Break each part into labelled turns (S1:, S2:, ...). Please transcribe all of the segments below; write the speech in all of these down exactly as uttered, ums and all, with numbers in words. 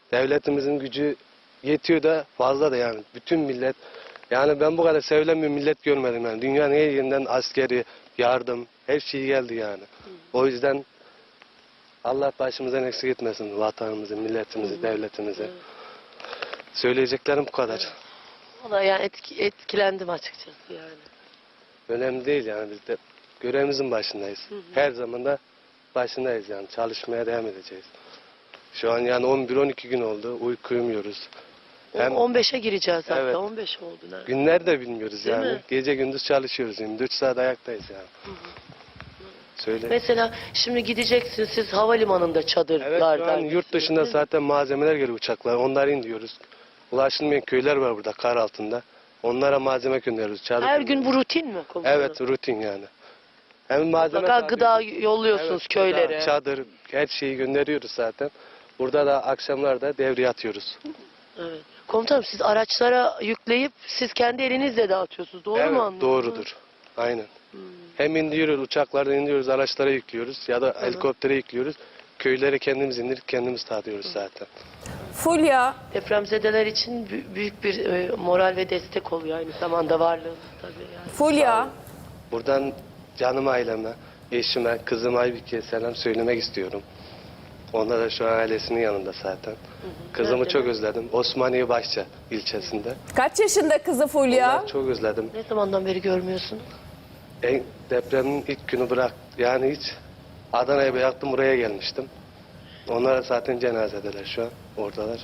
S1: Devletimizin gücü yetiyor da fazla da yani. Bütün millet, yani ben bu kadar sevilen bir millet görmedim yani. Dünyanın her yerinden askeri, yardım, her şey geldi yani. O yüzden Allah başımızdan eksik etmesin vatanımızı, milletimizi,
S2: Hı hı.
S1: devletimizi.
S2: Evet.
S1: Söyleyeceklerim bu kadar.
S2: Valla yani etki, etkilendim açıkçası yani.
S1: Önemli değil yani, biz de görevimizin başındayız.
S2: Hı hı.
S1: Her zaman da başındayız yani, çalışmaya devam edeceğiz. Şu an yani on bir on iki gün oldu, uyku uyumuyoruz. Hem
S2: on beşe gireceğiz hatta.
S1: Evet.
S2: on beş oldu ne?
S1: günler de bilmiyoruz
S2: Değil
S1: yani.
S2: mi?
S1: Gece gündüz çalışıyoruz, yirmi dört saat ayaktayız yani.
S2: Hı hı.
S1: Söyle.
S2: Mesela şimdi gideceksiniz siz havalimanında
S1: Evet,
S2: çadırlarda.
S1: şu an yurt dışında zaten malzemeler geliyor, uçaklar. Onları indiriyoruz. Ulaşılmayan köyler var burada kar altında. Onlara malzeme gönderiyoruz. Çadır
S2: Her gün
S1: gönderiyoruz.
S2: bu rutin mi komutanım?
S1: Evet, rutin yani. Hem malzeme
S2: Mutlaka gıda
S1: sağlıyoruz.
S2: yolluyorsunuz
S1: Evet,
S2: köylere.
S1: gıda, çadır, her şeyi gönderiyoruz zaten. Burada da akşamlarda devriye atıyoruz.
S2: Evet. Komutanım siz araçlara yükleyip siz kendi elinizle dağıtıyorsunuz. Doğru
S1: evet,
S2: mu anladım?
S1: doğrudur. Aynen.
S2: Hmm.
S1: Hem indiriyoruz, uçaklardan indiriyoruz, araçlara yüklüyoruz ya da helikoptere yüklüyoruz. Köylere kendimiz indirip kendimiz dağıtıyoruz zaten.
S3: Fulya,
S2: Depremzedeler için bü- büyük bir e, moral ve destek oluyor aynı zamanda varlığınız tabii yani.
S3: Fulya.
S1: Buradan canım aileme, eşime, kızım Aybike'ye selam söylemek istiyorum. Onlar da şu an ailesinin yanında zaten. Kızımı
S2: Nerede?
S1: çok özledim. Osmaniye Başça ilçesinde.
S3: Kaç yaşında kızı Fulya?
S1: Onları çok özledim.
S2: Ne zamandan beri görmüyorsun?
S1: En, depremin ilk günü bırak. Yani hiç Adana'ya bıraktım, buraya gelmiştim. Onlar zaten cenazedeler şu an. Oradalar.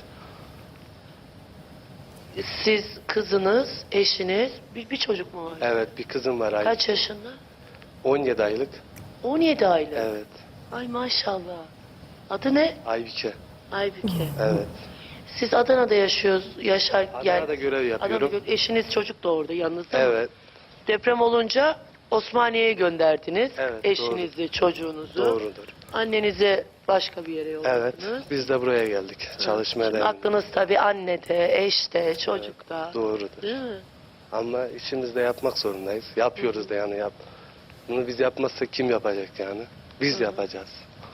S2: Siz, kızınız, eşiniz, bir, bir çocuk mu var?
S1: Evet, bir kızım var. Ay-
S2: Kaç yaşında?
S1: on yedi aylık.
S2: on yedi aylık.
S1: Evet.
S2: Ay maşallah. Adı ne?
S1: Aybike.
S2: Aybüke.
S1: Evet.
S2: Siz Adana'da yaşıyoruz, yaşar
S1: Adana'da görev yapıyorum.
S2: Adana'da gö- eşiniz çocuk da orada yanınızda mı?
S1: Evet.
S2: Deprem olunca Osmaniye'ye gönderdiniz.
S1: Evet,
S2: Eşinizi, çocuğunuzu.
S1: Doğrudur.
S2: Annenize başka bir yere yolladınız.
S1: Evet. Biz de buraya geldik. Çalışmaya
S2: Şimdi
S1: devam.
S2: aklınız tabii annede, eşte, çocukta.
S1: Doğrudur.
S2: Değil mi?
S1: Ama işimizi de yapmak zorundayız. Yapıyoruz da yani yap. Bunu biz yapmazsak kim yapacak yani? Biz yapacağız.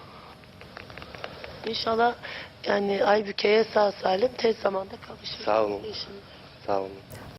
S2: İnşallah yani Aybüke'ye sağ salim tez zamanda kavuşursunuz.
S1: Sağ olun.
S2: eşiniz.
S1: Sağ olun.